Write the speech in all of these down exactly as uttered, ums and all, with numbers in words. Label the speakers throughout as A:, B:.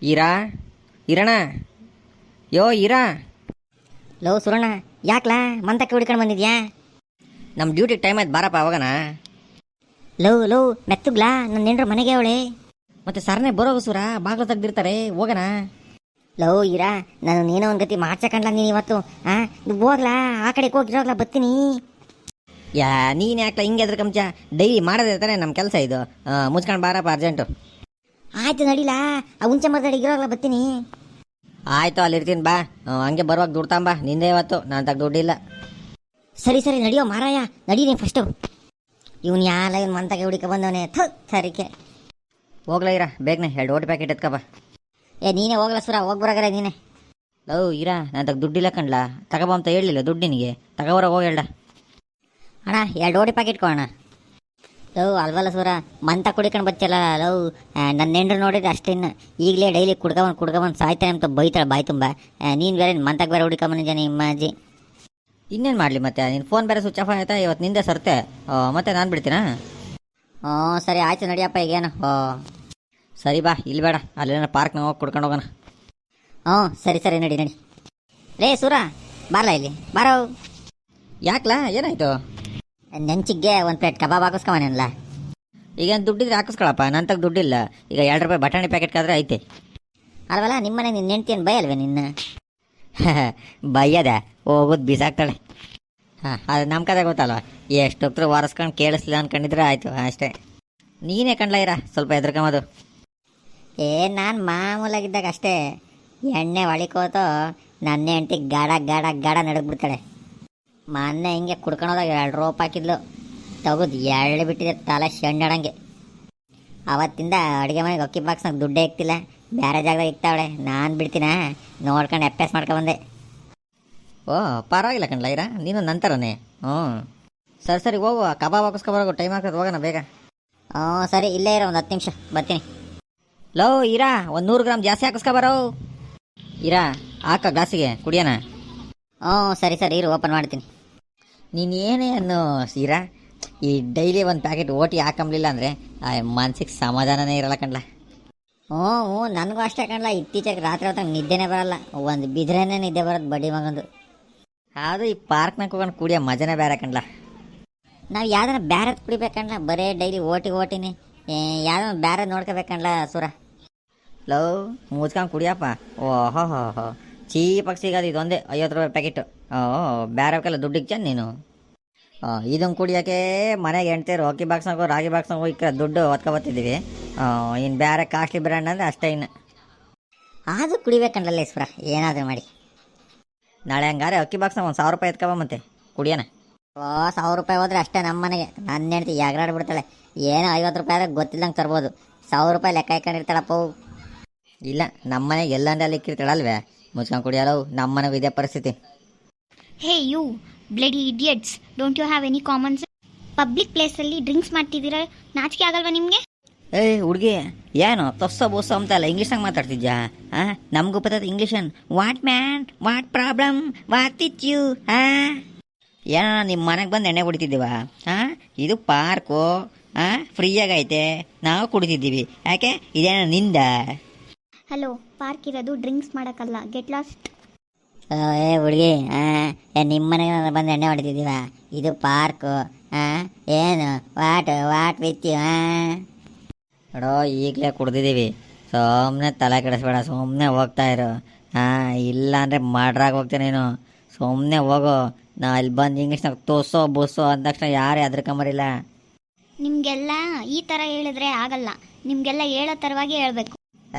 A: ಈರಾ ಇರಣ ಯೋ ಈರಾ.
B: Low ಸುರಣ್ಣ, ಯಾಕ್ಲಾ ಮಂತಕ್ಕೆ ಹುಡ್ಕೊಂಡು ಬಂದಿದ್ಯಾ?
A: ನಮ್ಮ ಡ್ಯೂಟಿ ಟೈಮ್ ಆಯ್ತು, ಬಾರಪ್ಪ ಅವಾಗನ.
B: ಲೋ ಲೋ ಮೆತ್ತಗ್ಲಾ, ನನ್ನ ನೆಂಡ್ರ ಮನೆಗೆ ಅವಳೆ.
A: ಮತ್ತೆ ಸರ್ನೇ ಬರೋಗು ಸುರ, ಬಾಗಿಲು ತೆಗ್ದಿರ್ತಾರೆ, ಹೋಗಣ.
B: ಲೋ ಇರಾ, ನಾನು ನೀನೋ ಒಂದು ಗತಿ ಮಾಡ್ಸಕಂಡ್ಲ ನೀನು ಇವತ್ತು. ಆ ಹೋಗ್ಲಾ, ಆ ಕಡೆಗೆ ಹೋಗಿರೋಗ್ಲಾ, ಬರ್ತೀನಿ.
A: ಯಾ ನೀನು ಯಾಕ್ಲ ಹಿಂಗೆ ಅದ್ರ ಕಂಚ, ಡೈಲಿ ಮಾಡೋದೇ ತಾನೆ ನಮ್ಮ ಕೆಲಸ ಇದು. ಮುಚ್ಕೊಂಡು ಬಾರಪ್ಪ ಅರ್ಜೆಂಟು.
B: ಆಯ್ತು ನಡಿಲಾ, ಆ ಹುಂಚೆ ಮರದಡಿ ಇರೋಗ್ಲಾ, ಬರ್ತೀನಿ.
A: ಆಯ್ತು, ಅಲ್ಲಿ ಇರ್ತೀನಿ ಬಾ. ಹಂಗೆ ಬರುವಾಗ ದುಡ್ತಾಂಬ, ನಿಂದೇ ಇವತ್ತು, ನಾನು ತಗ ದುಡ್ಡಿಲ್ಲ.
B: ಸರಿ ಸರಿ ನಡಿಯೋ ಮಾರಾಯ, ನಡಿ ನೀನು ಫಸ್ಟು. ಇವನು ಯಾಲ ಇವ್ನು ಮಂತಕ್ಕೆ ಹುಡುಕ ಬಂದವನೇ, ಥು ಸರಿಕೆ.
A: ಹೋಗ್ಲಾ ಇರಾ, ಬೇಗನೆ ಎರಡು ಓಟಿ ಪ್ಯಾಕೆಟ್ ಎತ್ಕಬ.
B: ಏ ನೀನೇ ಹೋಗ್ಲಾ ಸುರ, ಹೋಗ್ಬರಾಗ್ರೆ ನೀನೆ.
A: ಲವ್ ಇರಾ, ನಾನು ತಗ ದುಡ್ಡಿಲ್ಲ ಕಣ್ಲ, ತಗೋಬ ಅಂತ ಹೇಳಲಿಲ್ಲ ದುಡ್ಡು ನಿನಗೆ, ತಗೋಬರಾಗ ಹೋಗಿ ಹೇಳ್ದ.
B: ಅಣ್ಣ ಎರಡು ಓಡಿ ಪ್ಯಾಕೆಟ್ ಕೊಡೋಣ. ಲವ್ ಅಲ್ವಲ್ಲ ಸೂರ, ಮಂತ ಕುಡಿಕೊಂಡು ಬಚ್ಚಲ್ಲ ಲವ್. ನನ್ನ ನೆಂಡ್ರು ನೋಡಿದ್ರೆ ಅಷ್ಟೇನು, ಈಗಲೇ ಡೈಲಿ ಕುಡ್ಕೊಂಬಂದು ಕುಡ್ಕೊಂಬಂದು ಸಾಯ್ತಾನೆ ಅಂತ ಬೈತಾಳೆ ಬಾಯ್ ತುಂಬ. ನೀನು ಬೇರೆ ಮಂತಕ್ಕೆ ಬೇರೆ ಹುಡುಕೊಂಬಂದಿದ್ದಾನೆ ನಿಮ್ಮ ಅಜ್ಜಿ.
A: ಇನ್ನೇನು ಮಾಡಲಿ ಮತ್ತೆ, ನಿನ್ನ ಫೋನ್ ಬೇರೆ ಸ್ವಿಚ್ ಆಫ್ ಆಯ್ತಾ ಇವತ್ತು, ನಿಂದೆ ಸರ್ತೆ. ಮತ್ತೆ ನಾನು ಬಿಡ್ತೀನಾ?
B: ಹ್ಞೂ ಸರಿ ಆಯ್ತು ನಡಿಯಪ್ಪ, ಈಗೇನು. ಓ
A: ಸರಿ ಬಾ, ಇಲ್ಲಿ ಬೇಡ, ಅಲ್ಲೇನ ಪಾರ್ಕ್ನಾಗ ಹೋಗಿ ಕುಡ್ಕೊಂಡು ಹೋಗೋಣ.
B: ಹ್ಞೂ ಸರಿ ಸರಿ ನಡಿ ನಡಿ. ರೇ ಸೂರ, ಬಾರ್ಲಾ ಇಲ್ಲಿ ಬಾರೋ.
A: ಯಾಕ್ಲಾ, ಏನಾಯ್ತು?
B: ನೆಂಚಿಗೆ ಒಂದು ಪ್ಲೇಟ್ ಕಬಾಬ್ ಹಾಕಿಸ್ಕೊಂಬನೇನಲ್ಲ.
A: ಈಗೇನು ದುಡ್ಡಿದ್ರೆ ಹಾಕಿಸ್ಕೊಳಪ್ಪ, ನನ್ನ ತಗ ದುಡ್ಡಿಲ್ಲ. ಈಗ ಎರಡು ರೂಪಾಯಿ ಬಟಾಣಿ ಪ್ಯಾಕೆಟ್ ಕಾದ್ರೆ ಐತೆ.
B: ಅಲ್ವಲ್ಲ, ನಿಮ್ಮನೆ ನಿನ್ನ ನೆಂಟ್ತಿ ಬೈ ಅಲ್ವೇ ನಿನ್ನ?
A: ಬೈಯದ ಹೋಗೋದು ಬೀಸಾಕ್ತಾಳೆ. ಹಾಂ, ಅದು ನಮ್ಮ ಕತೆ ಗೊತ್ತಲ್ವ, ಎಷ್ಟು ಹೊತ್ತು ವಾರಸ್ಕೊಂಡು ಕೇಳಿಸ್ಲಿಲ್ಲ ಅನ್ಕೊಂಡಿದ್ರೆ ಆಯಿತು ಅಷ್ಟೇ. ನೀನೇ ಕಣ್ಲ ಇರ, ಸ್ವಲ್ಪ ಎದ್ರಕಂಬದು.
B: ಏ ನಾನು ಮಾಮೂಲಾಗಿದ್ದಾಗ ಅಷ್ಟೇ, ಎಣ್ಣೆ ಹೊಳಿಕೋತು ನನ್ನ ಹೆಂಡತಿ ಗಾಡ ಗಾಡ ಗಾಡ ನಡಗ್ಬಿಡ್ತಾಳೆ. ಮೊನ್ನೆ ಹಿಂಗೆ ಕುಡ್ಕೊಳೋದಾಗ ಎರಡು ರೋಪ್ ಹಾಕಿದ್ಲು, ತೆಗೆದು ಎಳ್ಳು ಬಿಟ್ಟಿದೆ ತಲೆ ಶೆಂಡಾಡಂಗೆ. ಅವತ್ತಿಂದ ಅಡುಗೆ ಮನೆಗೆ ಅಕ್ಕಿ ಬಾಕ್ಸ್ನಾಗ ದುಡ್ಡೇ ಇಕ್ತಿಲ್ಲ, ಬೇರೆ ಜಾಗದಾಗ ಇಕ್ತಾವಳೆ. ನಾನು ಬಿಡ್ತೀನ ನೋಡ್ಕೊಂಡು ಎಪ್ಪೆಸ್ ಮಾಡ್ಕೊಬಂದೆ.
A: ಓ ಪರವಾಗಿಲ್ಲ ಕಣ್ಲ ಇರ, ನೀನು ನಂತರನೇ. ಹ್ಞೂ ಸರಿ ಸರಿ ಹೋಗು, ಕಬಾಬ್ ಹಾಕಿಸ್ಕೊಬರೋಗು, ಟೈಮ್ ಆಗ್ತದೆ, ಹೋಗೋಣ ಬೇಗ.
B: ಹ್ಞೂ ಸರಿ, ಇಲ್ಲೇ ಇರೋ ಒಂದು ಹತ್ತು ನಿಮಿಷ ಬರ್ತೀನಿ.
A: ಲೋ ಇರಾ, ಒಂದು ನೂರು ಗ್ರಾಮ್ ಜಾಸ್ತಿ ಹಾಕಿಸ್ಕೊಬರೋ. ಇರಾ ಹಾಕ ಗ್ಲಾಸಿಗೆ ಕುಡಿಯೋಣ.
B: ಹ್ಞೂ ಸರಿ ಸರಿ ಇರು, ಓಪನ್ ಮಾಡ್ತೀನಿ.
A: ನೀನು ಏನೇ ಅನ್ನು ಸೀರಾ, ಈ ಡೈಲಿ ಒಂದು ಪ್ಯಾಕೆಟ್ ಓಟಿ ಹಾಕಂಬ್ಲಿಲ್ಲ ಅಂದರೆ ಮನ್ಸಿಗೆ ಸಮಾಧಾನನೇ ಇರಲ್ಲ ಕಣ್ಲ.
B: ಹ್ಞೂ ಹ್ಞೂ ನನಗೂ ಅಷ್ಟೇ ಕಣ್ಲ, ಇತ್ತೀಚೆಗೆ ರಾತ್ರಿ ಹೊತ್ತಾಗ ನಿದ್ದೆನೇ ಬರಲ್ಲ, ಒಂದು ಬಿದ್ರೇನೆ ನಿದ್ದೆ ಬರೋದು ಬಡ್ಡಿ ಮಗಂದು.
A: ಅದು ಈ ಪಾರ್ಕ್ನಾಗ ಹೋಗೋಣ ಕುಡಿಯೋ ಮಜನೇ ಬೇರೆ ಕಣ್ಲ.
B: ನಾವು ಯಾವ್ದಾರ ಬ್ಯಾರದ್ ಕುಡಿಬೇಕಣ್ಣ, ಬರೇ ಡೈಲಿ ಓಟಿ ಓಟಿನಿ. ಯಾವ್ದಾರ ಬ್ಯಾರದ್ ನೋಡ್ಕೋಬೇಕಣ್ಣ ಸುರ.
A: ಲವ್ ಮುಚ್ಕೊಂಡು ಕುಡಿಯಪ್ಪ. ಓಹೋ ಹೋ ಹೋ ಚೀಪಾಗಿ ಸಿಗೋದು ಇದೊಂದೇ ಐವತ್ತು ರೂಪಾಯಿ ಪ್ಯಾಕೆಟು. ಓ ಬೇರೆವಕ್ಕೆಲ್ಲ ದುಡ್ಡಿಗೆ ಚೆಂದ ನೀನು. ಇದನ್ನು ಕುಡಿಯೋಕ್ಕೆ ಮನೆಗೆ ಹೆಣ್ತೀರು ಅಕ್ಕಿ ಬಾಕ್ಸ್ನಾಗ ರಾಗಿ ಬಾಕ್ಸ್ನಾಗ ಹೋಗಿ ದುಡ್ಡು ಹೊತ್ಕೊಬತ್ತಿದ್ದೀವಿ. ಇನ್ನು ಬೇರೆ ಕಾಸ್ಟ್ಲಿ ಬ್ರ್ಯಾಂಡ್ ಅಂದರೆ ಅಷ್ಟೇ. ಇನ್ನು
B: ಅದು ಕುಡಿಬೇಕಂಡ್ರಲ್ಲ ಸುರ, ಏನಾದರೂ ಮಾಡಿ.
A: ನಾಳೆ ಹಂಗಾರೆ ಅಕ್ಕಿ ಬಾಕ್ಸ್ನಾಗ ಒಂದು ಸಾವಿರ ರೂಪಾಯಿ ಎತ್ಕೊಬ ಮತ್ತೆ ಕುಡಿಯೋಣ.
B: ಓ ಸಾವಿರ ರೂಪಾಯಿ ಹೋದ್ರೆ ಅಷ್ಟೇ ನಮ್ಮ ಮನೆಗೆ. ನನ್ನ ಹೆಂಡ್ತಿ ಯಾಗ್ರಾಡ್ಬಿಡ್ತಾಳೆ, ಏನೋ ಐವತ್ತು ರೂಪಾಯಿ ಆದರೆ ಗೊತ್ತಿಲ್ಲಂಗೆ ತರ್ಬೋದು, ಸಾವಿರ ರೂಪಾಯಿ ಲೆಕ್ಕ ಇಟ್ಕೊಂಡಿರ್ತಾಳಪ್ಪ.
A: ಇಲ್ಲ, ನಮ್ಮ ಮನೆಗೆ ಎಲ್ಲಂದ್ರೆ ಅಲ್ಲಿ ಇಕ್ಕಿರ್ತಾಳಲ್ವೇ, ಮುಚ್ಕೊಂಡು ಕುಡಿಯಲ್ಲ. ನಮ್ಮ ಮನೆಗೂ ಇದೇ ಪರಿಸ್ಥಿತಿ.
C: Hey you bloody idiots, don't you have any common sense? Public ಪ್ಲೇಸಲ್ಲಿ ಡ್ರಿಂಕ್ಸ್ ಮಾಡ್ತಿದ್ದೀರಾ, ನಾಚಿಕೆ ಆಗಲ್ವಾ ನಿಮಗೆ?
A: ಏಯ್ ಹುಡುಗಿ, ಏನು ತೊಸ್ಸೋ ಬೋಸೋ ಅಂತಲ್ಲ ಇಂಗ್ಲೀಷ್ನಾಗ ಮಾತಾಡ್ತಿದ್ಯಾ? ಹಾಂ, ನಮಗೂ ಬರ್ತದೆ ಇಂಗ್ಲೀಷನ್. What man, what problem, what it you? ಹಾಂ, ಏನೋ ನಿಮ್ಮ ಮನೆಗೆ ಬಂದು ಎಣ್ಣೆ ಕುಡಿತಿದ್ದೀವ? ಹಾಂ, ಇದು ಪಾರ್ಕು, ಹಾಂ ಫ್ರೀಯಾಗೈತೆ, ನಾವು ಕುಡಿತಿದ್ದೀವಿ. ಯಾಕೆ ಇದೇನೋ ನಿಂದ?
C: ಹಲೋ, ಪಾರ್ಕ್ ಇರೋದು ಡ್ರಿಂಕ್ಸ್ ಮಾಡೋಕ್ಕಲ್ಲ, ಗೆಟ್ ಲಾಸ್ಟ್.
B: ಏ ಹುಡುಗಿ, ಹಾಂ ನಿಮ್ಮ ಮನೆಗೆ ಬಂದು ಎಣ್ಣೆ ಹೊಡಿತಿದ್ದೀವ? ಇದು ಪಾರ್ಕು. ಹಾಂ ಏನು ವಾಟ್ ವಾಟ್ ವಿತ್ ಯು? ಹಾಂ
A: ನೋಡೋ, ಈಗಲೇ ಕುಡ್ದಿದ್ದೀವಿ, ಸುಮ್ಮನೆ ತಲೆ ಕೆಡಿಸ್ಬೇಡ, ಸುಮ್ಮನೆ ಹೋಗ್ತಾ ಇರು. ಹಾಂ, ಇಲ್ಲ ಅಂದರೆ ಮಾಡ್ರಾಗ ಹೋಗ್ತೇನೆ ನೀನು, ಸುಮ್ಮನೆ ಹೋಗು. ನಾ ಇಲ್ಲಿ ಬಂದು ಇಂಗ್ಲೀಷ್ನಾಗ ತೋಸೋ ಬೋಸೋ ಅಂದ ತಕ್ಷಣ ಯಾರೇ ಅದ್ರಕಂಬರಿಲ್ಲ.
C: ನಿಮಗೆಲ್ಲ ಈ ಥರ ಹೇಳಿದ್ರೆ ಆಗಲ್ಲ, ನಿಮಗೆಲ್ಲ ಹೇಳೋ ಥರವಾಗಿ ಹೇಳ್ಬೇಕು.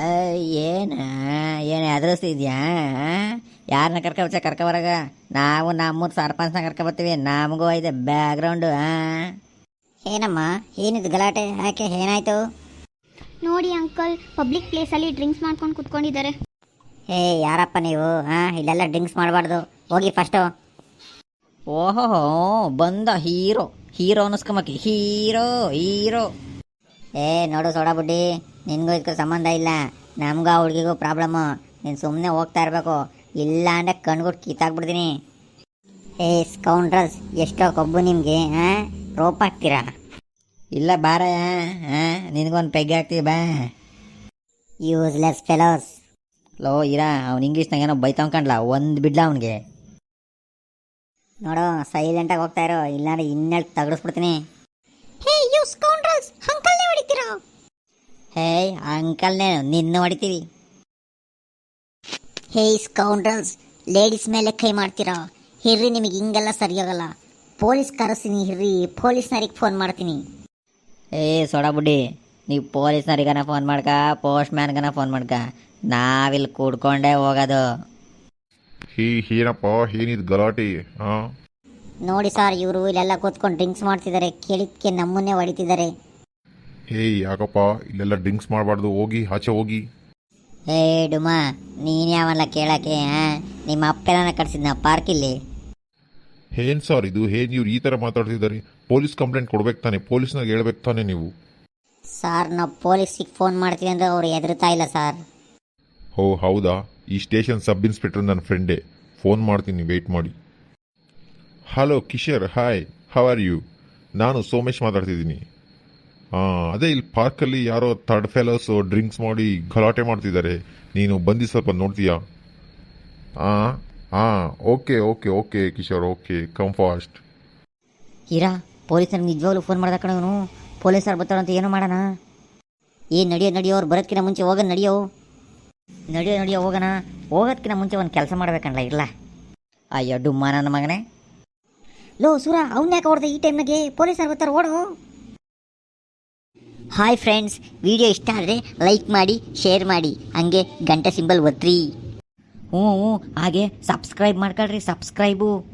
B: ಏನು ಏನು ಎದುರಿಸ್ತಿದ್ಯಾ? ಯಾರನ್ನ ಕರ್ಕೊಬಚ್ಚ ಕರ್ಕೊಬರಾಗ? ನಾವು ನಮ್ಮೂರು ಸರ್ಪಂಚ್ನ ಕರ್ಕೊಬರ್ತೀವಿ, ನಮಗೂ ಇದೆ ಬ್ಯಾಕ್ಗ್ರೌಂಡು. ಹಾಂ ಏನಮ್ಮ, ಏನಿದು ಗಲಾಟೆ? ಯಾಕೆ, ಏನಾಯ್ತು?
C: ನೋಡಿ ಅಂಕಲ್, ಪಬ್ಲಿಕ್ ಪ್ಲೇಸಲ್ಲಿ ಡ್ರಿಂಕ್ಸ್ ಮಾಡ್ಕೊಂಡು ಕುತ್ಕೊಂಡಿದ್ದಾರೆ.
B: ಏ ಯಾರಪ್ಪ ನೀವು? ಹಾಂ ಇಲ್ಲೆಲ್ಲ ಡ್ರಿಂಕ್ಸ್ ಮಾಡಬಾರ್ದು, ಹೋಗಿ ಫಸ್ಟು.
A: ಓಹೋ ಬಂದ ಹೀರೋ, ಹೀರೋ ಅನ್ನಿಸ್ಕೊಂಬಕ್ಕೆ, ಹೀರೋ ಹೀರೋ.
B: ಏ ನೋಡು ಸೋಡಾ ಬುಡ್ಡಿ, ನಿನಗೂ ಇದಕ್ಕೂ ಸಂಬಂಧ ಇಲ್ಲ, ನಮಗೂ ಆ ಹುಡುಗಿಗೂ ಪ್ರಾಬ್ಲಮ್ಮು. ನೀನು ಸುಮ್ಮನೆ ಹೋಗ್ತಾ ಇರಬೇಕು, ಇಲ್ಲ ಅಂದರೆ ಕಣ್ಗುಟ್ಟು ಕಿತ್ತಾಕ್ಬಿಡ್ತೀನಿ. ಏ ಸ್ಕೌಂಡ್ರಲ್ಸ್, ಎಷ್ಟೋ ಕೊಬ್ಬು ನಿಮಗೆ. ಹಾಂ ರೋಪ್ ಹಾಕ್ತೀರಾ?
A: ಇಲ್ಲ ಬಾರಯ್ಯ, ಹಾಂ ನಿನಗೊಂದು ಪೆಗ್ ಹಾಕ್ತೀವಿ ಬಾ.
B: Useless fellows.
A: ಲೋ ಇರಾ ಅವ್ನು ಇಂಗ್ಲೀಷ್ನಾಗ ಏನೋ ಬೈತಾವ್ ಕಣ್ಲ ಒಂದು ಬಿಡ್ಲ ಅವನಿಗೆ.
B: ನೋಡು ಸೈಲೆಂಟಾಗಿ ಹೋಗ್ತಾ ಇರೋ, ಇಲ್ಲಾಂದ್ರೆ ಇನ್ನೆಳ್ ತಗಡಿಸ್ಬಿಡ್ತೀನಿ.
C: Hey you scoundrels, ಅಂಕಲ್ನೇ ಹೊಡಿತೀರಾ?
B: ಹೇಯ್ ಅಂಕಲ್ನೇನು ನಿನ್ನ ಹೊಡಿತೀವಿ. ಹೇಯ್ ಸ್ಕೌಂಡ್ರಲ್ಸ್, ಲೇಡೀಸ್ ಮೇಲೆ ಕೈ ಮಾಡ್ತೀರಾ? ಹಿರ್ರಿ, ನಿಮಗೆ ಹಿಂಗೆಲ್ಲ ಸರಿಯಾಗಲ್ಲ. ಪೊಲೀಸ್ ಕರೆಸ್ತೀನಿ ಹಿರ್ರಿ, ಪೊಲೀಸ್ನವ್ರಿಗೆ ಫೋನ್ ಮಾಡ್ತೀನಿ.
A: ಏ ಸೋಡಾ ಬುಡ್ಡಿ, ನೀವು ಪೊಲೀಸ್ನವ್ರಿಗನ ಫೋನ್ ಮಾಡ್ಕ, ಪೋಸ್ಟ್ ಮ್ಯಾನ್ಗನ ಫೋನ್ ಮಾಡ್ಕ, ನಾವಿಲ್ಲಿ ಕೂಡ್ಕೊಂಡೇ ಹೋಗೋದು.
D: ಹೀ ಏನಪ್ಪ ಏನಿದು ಗಲಾಟೆ? ಹಾಂ
B: ನೋಡಿ ಸರ್, ಇವರು ಇಲ್ಲೆಲ್ಲ ಕೂತ್ಕೊಂಡು ಡ್ರಿಂಕ್ಸ್ ಮಾಡ್ತಿದ್ದಾರೆ, ಕೇಳಿದ್ಕೆ ನಮ್ಮನ್ನೇ ಹೊಡಿತಿದ್ದಾರೆ.
D: ಏಯ್ ಯಾಕಪ್ಪ ಇಲ್ಲೆಲ್ಲ ಡ್ರಿಂಕ್ಸ್ ಮಾಡಬಾರ್ದು, ಹೋಗಿ ಆಚೆ ಹೋಗಿ.
B: ಏ ಡುಮಾ, ನೀನು ಯಾವಲ್ಲ ಕೇಳಕ್ಕೆ? ಹಾಂ, ನಿಮ್ಮ ಅಪ್ಪೆಲ್ಲ ಕಟ್ಸಿದ್ನ ಪಾರ್ಕಿಲ್ಲಿ.
D: ಏನ್ ಸರ್ ಇದು? ಏನ್ ಇವ್ರು ಈ ಥರ ಮಾತಾಡ್ತಿದ್ದಾರೆ? ಪೊಲೀಸ್ ಕಂಪ್ಲೇಂಟ್ ಕೊಡ್ಬೇಕು ತಾನೆ, ಪೊಲೀಸ್ನಾಗ ಹೇಳ್ಬೇಕು ತಾನೆ ನೀವು.
B: ಸರ್, ನಾವು ಪೊಲೀಸಿಗೆ ಫೋನ್ ಮಾಡ್ತೀವಿ ಅಂದರೆ ಅವ್ರು ಹೆದರ್ತಾ ಇಲ್ಲ ಸರ್.
D: ಓ ಹೌದಾ? ಈ ಸ್ಟೇಷನ್ ಸಬ್ ಇನ್ಸ್ಪೆಕ್ಟರ್ ನನ್ನ ಫ್ರೆಂಡೇ, ಫೋನ್ ಮಾಡ್ತೀನಿ, ವೆಯ್ಟ್ ಮಾಡಿ. Hello Kishore, hi, how are you? ನಾನು ಸೋಮೇಶ್ ಮಾತಾಡ್ತಿದ್ದೀನಿ. ಹಾಂ ಅದೇ ಇಲ್ಲಿ ಪಾರ್ಕಲ್ಲಿ ಯಾರೋ ಥರ್ಡ್ ಫೆಲೋಸು ಡ್ರಿಂಕ್ಸ್ ಮಾಡಿ ಗಲಾಟೆ ಮಾಡ್ತಿದ್ದಾರೆ, ನೀನು ಬಂದು ಸ್ವಲ್ಪ ನೋಡ್ತೀಯಾ? ಹಾಂ ಹಾಂ okay okay okay Kishore, okay come fast.
B: Heera, ಪೊಲೀಸರಿಗೆ ನಿಜವಾಗ್ಲೂ ಫೋನ್ ಮಾಡ್ದ ಕಣವನು. ಪೊಲೀಸರು ಬರ್ತಾರಂತ ಏನೋ ಮಾಡೋಣ. ಏನು ನಡಿಯೋ ನಡಿಯೋ, ಅವ್ರು ಬರೋದಕ್ಕಿಂತ ಮುಂಚೆ ಹೋಗೋಣ. ನಡಿಯೋ ನಡಿಯೋ ನಡಿಯೋ ಹೋಗೋಣ. ಹೋಗೋದಕ್ಕಿಂತ ಮುಂಚೆ ಒಂದು ಕೆಲಸ ಮಾಡ್ಬೇಕಣ್ಣ. ಇಲ್ಲ
A: ಅಯ್ಯೋ ಡುಮ್ಮ ನನ್ನ ಮಗನೇ.
B: ಲೋ ಸೂರ, ಅವ್ನ ಯಾಕೆ ಹೊಡೆದ ಈ ಟೈಮ್ನಾಗೆ? ಪೊಲೀಸರು ಬರ್ತಾರೆ, ಓಡು. ಹಾಯ್ ಫ್ರೆಂಡ್ಸ್, ವಿಡಿಯೋ ಇಷ್ಟ ಆದರೆ ಲೈಕ್ ಮಾಡಿ, ಶೇರ್ ಮಾಡಿ, ಹಂಗೆ ಗಂಟೆ ಸಿಂಬಲ್ ಒತ್ತಿರಿ.
A: ಹ್ಞೂ ಹ್ಞೂ ಹಾಗೆ ಸಬ್ಸ್ಕ್ರೈಬ್ ಮಾಡ್ಕೊಳ್ರಿ, ಸಬ್ಸ್ಕ್ರೈಬು.